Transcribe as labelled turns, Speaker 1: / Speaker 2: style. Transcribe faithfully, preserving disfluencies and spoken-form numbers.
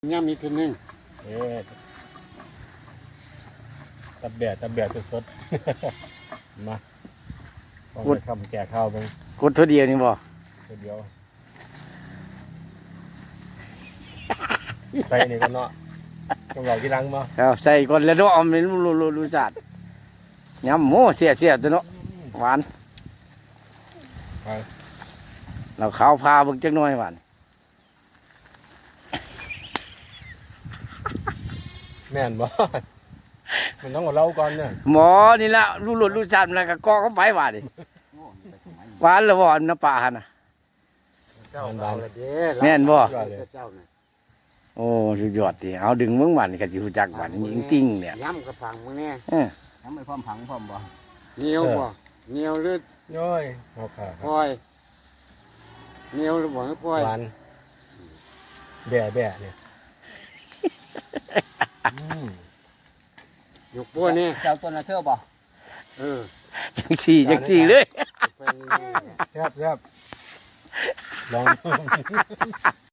Speaker 1: ย่ำอีกทีนึง
Speaker 2: เอ๊ะตับแบะตับแบะสดๆมาต้องไปทำแก่ข้าวไป
Speaker 1: กดเท่าเดียวนี่บ่
Speaker 2: เดียวใส่นี่ก็เนาะต้องรอที่รังมา
Speaker 1: เอาใส่ก่อนแล้วเนาะมันรู้รู้รู้จัดย่ำโม่เสียเสียตัวเนาะหวานเราข้าวพาเบิ่งจักหน่อยหวาน
Speaker 2: แม่นบ่มันต้องกับเราก่อนเนี่ย
Speaker 1: หมอนี่ละรู้รสรู้จัดแล้วก็กอเข้าไปหวานดิหวานแล้วบ่น้ำปลาหั่นน่ะแม่นบ่โอ้สุดยอดดิเอาดึงมึงหวานก็สิรู้จักหวานจริงๆเนี่ย
Speaker 3: ย้ำกับผังมึงเนี่ย
Speaker 1: เออ
Speaker 3: ย้ำไปพร้อมผังพร้อมบ่
Speaker 1: เหนียวบ่เหนียวหรือ
Speaker 2: ย้อยเอาค่ะ
Speaker 1: พลอยเหนียวหรือบ่พลอย
Speaker 2: หวานแบะแบะเนี่ย
Speaker 1: ยกปัวนี่
Speaker 3: เจ้าตัวน่ะเท่าบ่
Speaker 1: เออจังสี่จังสี่เลย
Speaker 2: แซ่บแซ่บลอง